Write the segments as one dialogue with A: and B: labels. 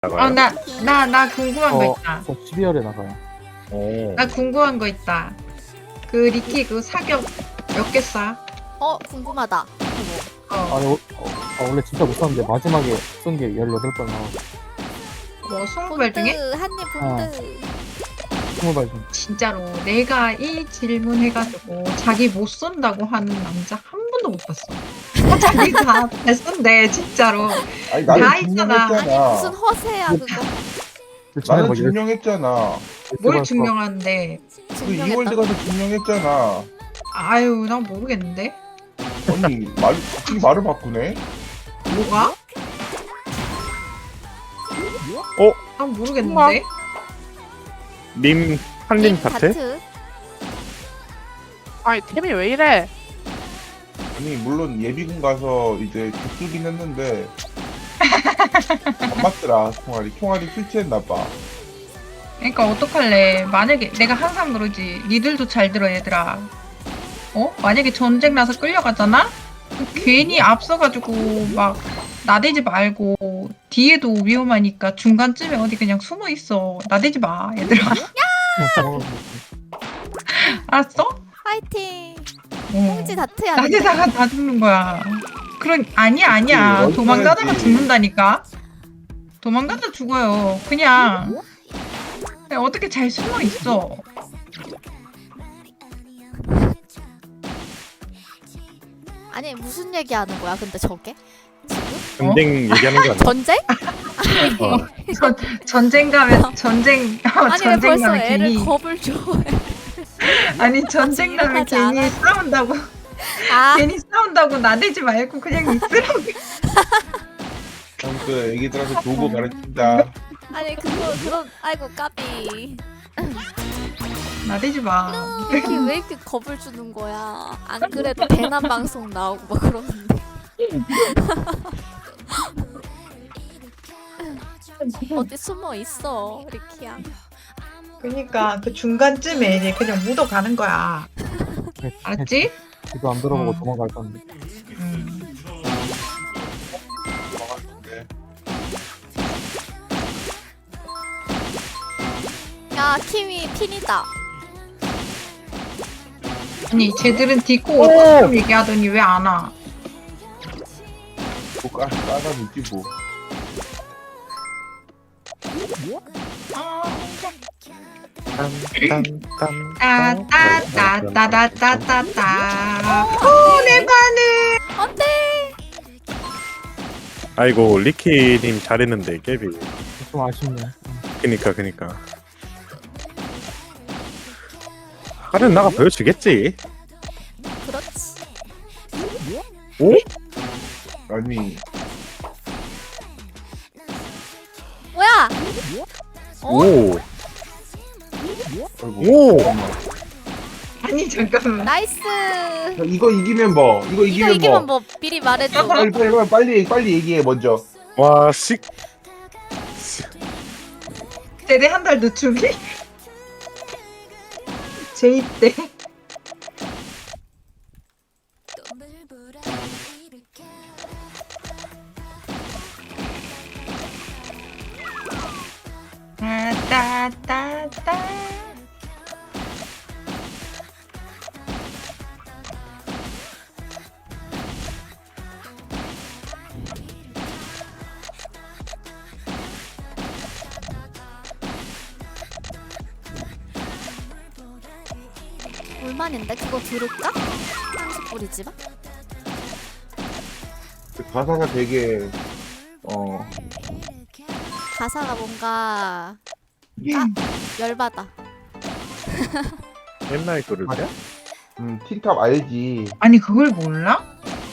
A: 나가요?
B: 나 궁금한 거 있다.
C: 12월에 나가요.
A: 오.
B: 나 궁금한 거 있다. 그 리키 그 사격 몇 개 쏴?
D: 궁금하다.
C: 아니, 원래 진짜 못하는데 마지막에 쏜 게 18발 나와서
B: 뭐 20발 중에?
D: 한입 본드.
C: 20발 중.
B: 진짜로 내가 이 질문 해가지고 자기 못 쏜다고 하는 남자 한 번도 못 봤어. 자기가 잘 쏜대 진짜로.
E: 아니
B: 다
E: 나는
B: 있잖아.
D: 아니
E: 증명했잖아.
D: 무슨 허세야 그거.
E: 나는 증명했잖아.
B: 뭘 증명하는데?
E: 그 이월드 가서 증명했잖아.
B: 아유 난 모르겠는데.
E: 아니 갑자기 말을 바꾸네.
B: 뭐가? 난 모르겠는데.
A: 님 한림 파트?
F: 아니 템이 왜 이래?
E: 아니 물론 예비군 가서 이제 죽수긴 했는데 안 맞더라 총알이 설치했나봐.
B: 그러니까 어떡할래. 만약에 내가 항상 그러지. 니들도 잘 들어 얘들아. 만약에 전쟁 나서 끌려가잖아? 괜히 앞서가지고 막 나대지 말고 뒤에도 위험하니까 중간쯤에 어디 그냥 숨어 있어. 나대지 마 얘들아. 알았어?
D: 파이팅.
B: 어.
D: 홍지 다트야. 근데.
B: 나대다가 다 죽는 거야. 아니야.
E: 그치,
B: 도망가다가
E: 어떡하지.
B: 죽는다니까. 도망가다 죽어요. 그냥 어떻게 잘 숨어 있어.
D: 아니 무슨 얘기하는 거야 근데 저게? 지금?
A: 전쟁 얘기하는 거 아니야?
D: 전쟁?
B: 전쟁 가면 전쟁
D: 아니 왜 벌써
B: 가면
D: 애를
B: 괜히
D: 겁을 줘?
B: 아니 전쟁 가면
D: 일어나지
B: 괜히
D: 않아?
B: 싸운다고
D: 아
B: 괜히 싸운다고 나대지 말고 그냥 있으라고.
E: 아무튼 애기들한테 도구 가르친다.
D: 아니 그런 아이고 까비.
B: 나대지 마.
D: 이렇게 왜 이렇게 겁을 주는 거야? 안 그래도 대남 방송 나오고 막 그러는데. 어디 숨어 있어 리키야.
B: 그러니까 그 중간쯤에 이제 그냥 묻어가는 거야. 알았지?
C: 이거 안 들어보고
B: 음.
C: 도망갈 건데.
D: 야 키위 핀이다.
B: 아니 쟤들은 디코 좀 얘기하더니 왜 안 와?
E: 뭐 까다 묻지 뭐.
B: 따따따따따따따. 오내 바늘.
D: 안돼.
A: 아이고 리키님 잘했는데 깨비.
C: 좀 아쉽네.
A: 그니까. 하는 나가 보여주겠지.
D: 그렇지.
A: 오?
E: 아니
D: 뭐야?
A: 오.
E: 아이고.
A: 오.
E: 잠깐만.
B: 아니 잠깐만.
D: 나이스.
E: 이거 이기면 뭐? 이거
D: 이거
E: 이기면
D: 이기면
E: 뭐?
D: 뭐 미리 말해줘.
E: 빨리 얘기해 먼저.
A: 와 씩.
B: 제대 한 달 늦추기? 제입 때. 따따따따.
D: 얼마인데 그거 들을까? 30불이지만.
E: 그 가사가 되게
D: 가사가 뭔가 열받아.
A: 옛날 거를 때?
E: 틴탑 알지?
B: 아니 그걸 몰라?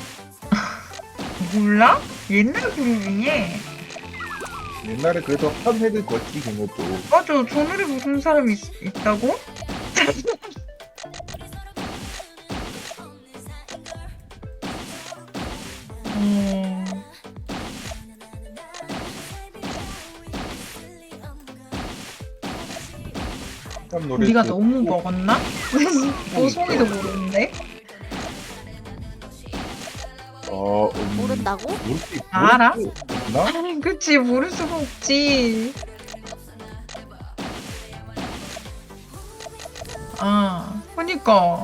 B: 몰라? 옛날 그림 중에
E: 옛날에 그래도 한 획을 걷지 걔네도.
B: 맞아 저 노래 부르는 사람이 있다고?
E: 틴탑 노래.
B: 우리가 너무 먹었나? 보송이도 모르는데?
D: 모른다고?
B: 알아?
E: 나?
B: 아니, 그치, 모를 수가 없지. 아, 그니까.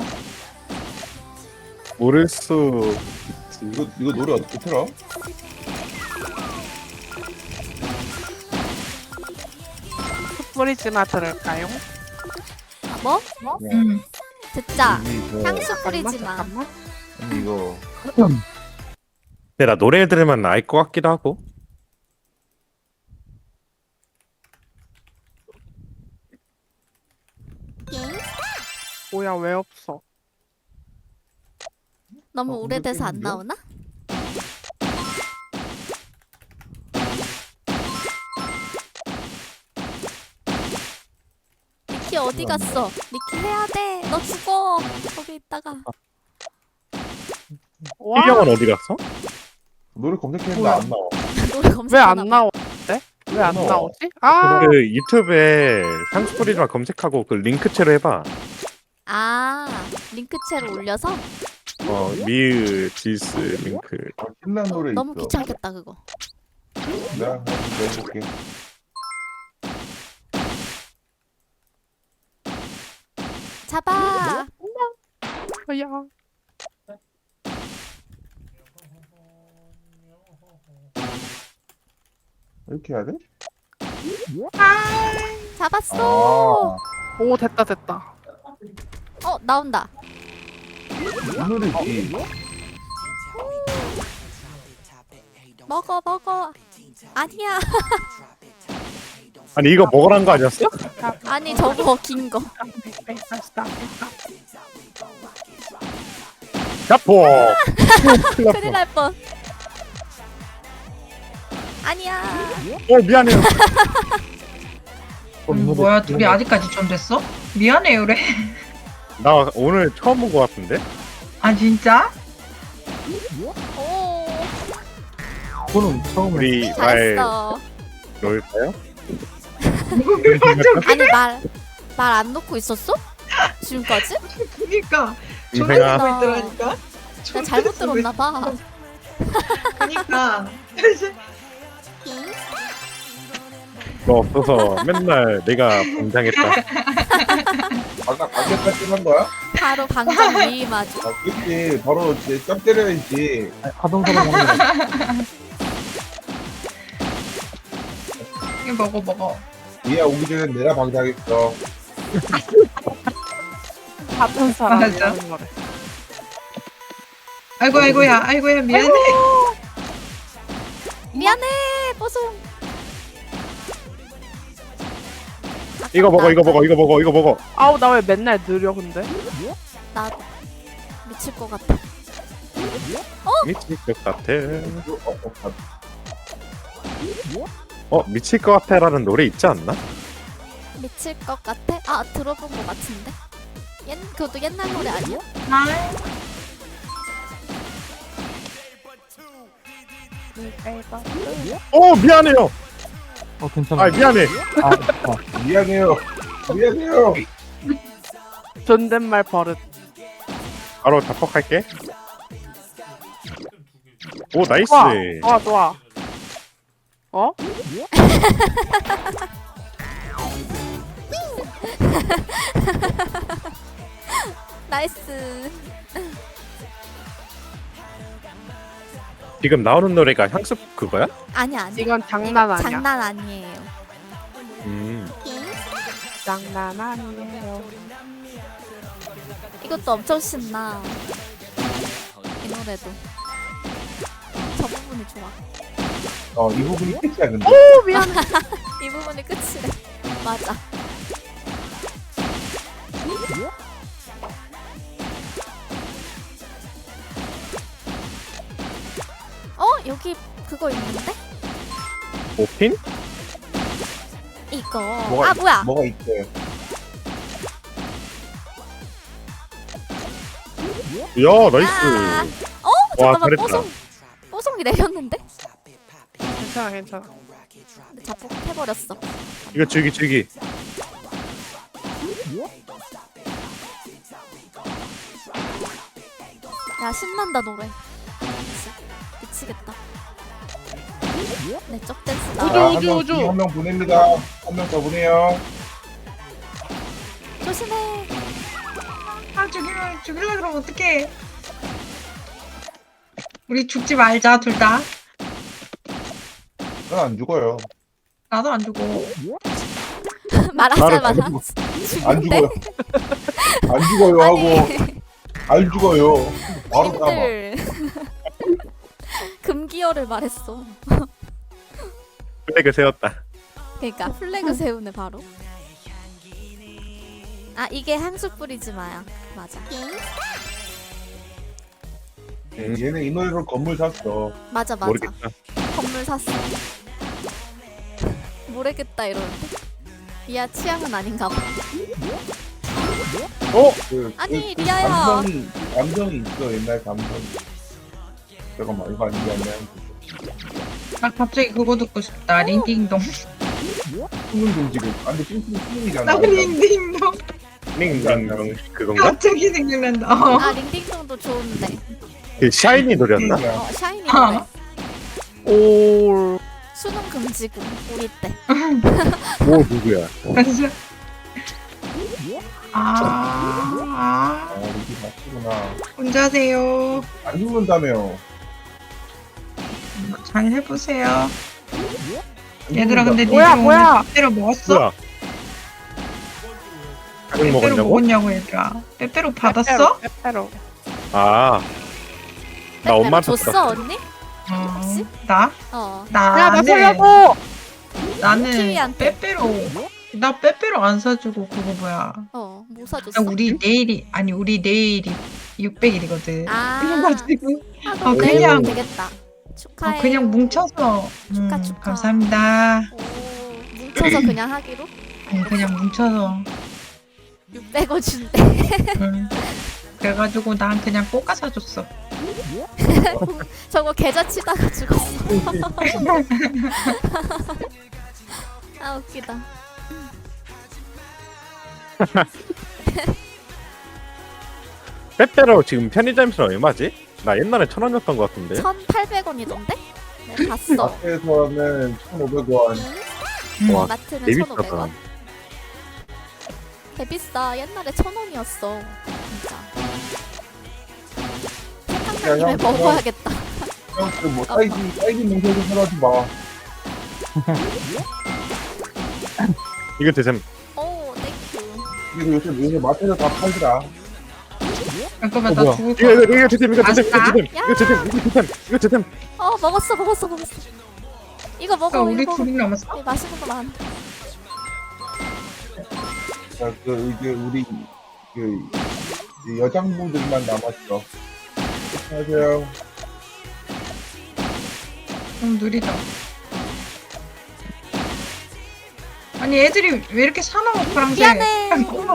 A: 모를 수 있지.
E: 이거 노래 어떻게 틀어?
F: 뿌리지마 들을까요?
D: 뭐?
B: 응.
D: 듣자.
E: 이거
D: 향수 뿌리지 마.
F: 잠깐만.
E: 아니, 이거
A: 근데 나 노래 들으면 알 것 같기도 하고.
F: 뭐야 왜 없어?
D: 너무 오래돼서 안
E: 근데
D: 나오나? 니키 어디 갔어? 니키 해야 돼. 너 죽어. 거기 있다가.
F: 와,
A: 희경은 어디 갔어?
E: 노래 검색했는데
F: 뭐야?
E: 안 나와.
D: 노래
F: 왜
D: 검색하나
F: 안
D: 봐.
F: 나오는데? 왜 안
E: 나와.
F: 나오지? 아,
A: 그 유튜브에 향수 뿌리지마 검색하고 그 링크체로 해봐.
D: 아, 링크체로 올려서?
A: 미으 지스 링크.
E: 신난 노래
D: 너무
E: 있어.
D: 귀찮겠다 그거.
E: 내가 한번 넣어볼게.
D: 잡아.
F: 뭐야?
E: 이렇게 해야 돼?
D: 잡았어.
F: 오 됐다 됐다.
D: 나온다.
E: 이 노래지.
D: 먹어 먹어. 아니야.
A: 아니 이거 먹으란 거 아니었어?
D: 아니 저거 긴 거.
A: 야포.
D: 큰일 날 뻔. 아니야.
A: 미안해요.
B: 뭐야, 둘이 아직까지 좀 됐어? 미안해, 그래.
A: 나 오늘 처음 본 거 같은데?
B: 아, 진짜?
D: 오.
C: 저는 처음에
A: 우리 말
D: 잘했어.
A: 넣을까요?
D: 아니 말 안 놓고 있었어? 지금까지?
B: 그니까.
A: 인생아.
B: 조용히 있더라니까.
D: 내가 잘못 들었나 봐.
B: 그니까.
A: 너 없어서 맨날 내가 봉장했다.
E: 아까 관계까지 한 거야?
D: 바로 방정 위임하죠.
E: 아, 그치. 바로 이제 점 때려야지.
C: 하동사랑 하는
B: 이거 먹어.
E: 얘야 오기 전에 내가 방장했어.
F: 같은 사람이
B: 맞아.
F: 하는 거래.
B: 아이고야, 미안해.
D: 미안해 뽀송.
A: 이거 먹어.
F: 아우 나 왜 맨날 느려 근데?
D: 나도 미칠 것 같아.
A: 미칠 것 같아.
E: 어,
A: 미칠 것 같아라는 노래 있지 않나?
D: 미칠 것 같아? 아 들어본 것 같은데. 그것도 옛날 노래 아니야?
A: 미안해요.
C: 괜찮아.
A: 미안해.
E: 미안해요.
F: 존댓말 버릇.
A: 바로 답박할게. 오 나이스.
F: 좋아. 어?
D: 나이스.
A: 지금 나오는 노래가 향수 그거야?
D: 아니야.
F: 이건 장난 아니야.
D: 장난 아니에요.
F: 장난 아니에요.
D: 이것도 엄청 신나. 이 노래도. 저 부분이 좋아.
E: 이 부분이 끝이야 근데.
F: 오 미안해.
D: 이 부분이 끝이래. 맞아. 여기 그거 있는데?
A: 오핀?
D: 이거.
E: 뭐가
D: 뭐야?
E: 뭐가 있대?
A: 야 나이스. 와
D: 잠깐만
A: 잘했다.
D: 뽀송이 내렸는데?
F: 괜찮아.
D: 근데 자폭해버렸어.
A: 이거 즐기.
D: 야 신난다 노래. 미치겠다. 네, 쩍댄스
F: 우주,
D: 나와.
F: 우주, 우주.
E: 한 명 보냅니다. 한 명 더 보내요.
D: 조심해.
B: 아 죽일라 그러면 어떡해. 우리 죽지 말자 둘 다.
E: 난 안 죽어요.
B: 나도 안 죽어.
D: 말하자마자
E: 안
D: 죽는데?
E: 죽어요. 안 죽어요 하고
D: 아니,
E: 안 죽어요. 바로 까봐.
D: 님들 금기어를 말했어.
A: 플래그 세웠다.
D: 그러니까 플래그 세우네 바로. 아 이게 향수 뿌리지 마야. 맞아.
E: 얘네 이 노래로 건물 샀어.
D: 맞아 맞아.
A: 모르겠다.
D: 건물 샀어. 모르겠다 이러는데. 이야 취향은 아닌가 봐. 아니, 리아야.
E: 감성이 있어. 옛날 감성이. 잠깐만 이거 아니야.
B: 나 갑자기 그거 듣고 싶다. 링딩동.
E: 숨은 금지고. 아 근데 숨이잖아.
B: 나 링딩동.
A: 링링 그건가?
B: 갑자기 생각난다.
D: 아 링딩동도 좋은데.
A: 그 샤이니 노래였나?
D: 어 샤이니
B: 아.
D: 노래.
A: 오.
D: 수능 금지고 우리 때.
A: 오 누구야?
B: 그래서 아
E: 이게 맞구나.
B: 혼자세요.
E: 안 죽는다며.
B: 잘 해보세요. 얘들아 근데
F: 뭐야,
B: 니들
F: 뭐야?
B: 오늘 빼빼로 먹었어?
A: 뭐야? 작은
B: 빼빼로
A: 먹었냐고?
B: 먹었냐고 얘들아. 빼빼로 받았어?
F: 빼빼로.
A: 아. 나 엄마한테
D: 줬어 언니?
B: 어, 나?
D: 어.
F: 야, 나
B: 나는
F: 살려줘!
B: 나는
D: 키위한테.
B: 빼빼로 나 빼빼로 안 사주고 그거 뭐야?
D: 어. 뭐 사줬어?
B: 나 우리 내일이 600일이거든.
D: 아.
B: 그래가지고
D: 그럼
B: 그냥-
D: 내일 되겠다. 축하해.
B: 그냥 뭉쳐서
D: 축하, 축하.
B: 감사합니다.
D: 오, 뭉쳐서 그냥 하기로?
B: 그냥 뭉쳐서
D: 600원 준대.
B: 그래가지고 난 그냥 꼬까 사줬어.
D: 저거 계좌 치다가 죽었어. 아 웃기다.
A: 빼빼로 지금 편의점에서 얼마지? 나 옛날에 1,000원이었던 것 같은데.
D: 1,800원이던데? 네, 봤어.
E: 마트에서는 1,500원.
A: 와,
D: 마트는
A: 되게
D: 1,500원. 개비싸. 옛날에 1,000원이었어. 진짜. 생각난 김에
E: 형,
D: 먹어야겠다.
E: 형, 그뭐 딸기 뭉쳐서 사라지 마.
A: 이거 드셈.
D: 오, 땡큐.
E: 이거 요새 마트에서 다 팔더라.
B: 잠깐만
C: 뭐야?
B: 나 죽을 거야.
A: 이거 드셈. 이거 드셈. 이거
B: 아싸.
A: 드셈. 이거 드셈. 이거 드셈. 이거 드셈.
D: 먹었어. 이거 먹어,
B: 우리
D: 이거.
B: 둘이 남았어?
D: 이 맛있는 거 많아.
E: 자, 이제 우리 이제 여장분들만 남았어. 안녕하세요.
B: 좀 느리다. 아니 애들이 왜 이렇게 사나워 파란색?
D: 미안해.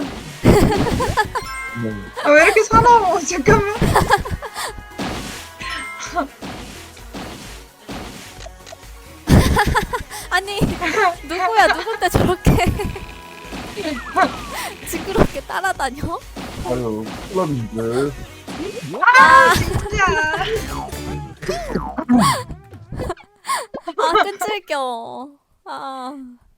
B: 아, 왜 이렇게 사나워? 잠깐만.
D: 아니, 누군데 저렇게 징그럽게 따라다녀?
E: 아유, 클럽인들.
B: 진짜.
D: 아, 끈질겨. 아.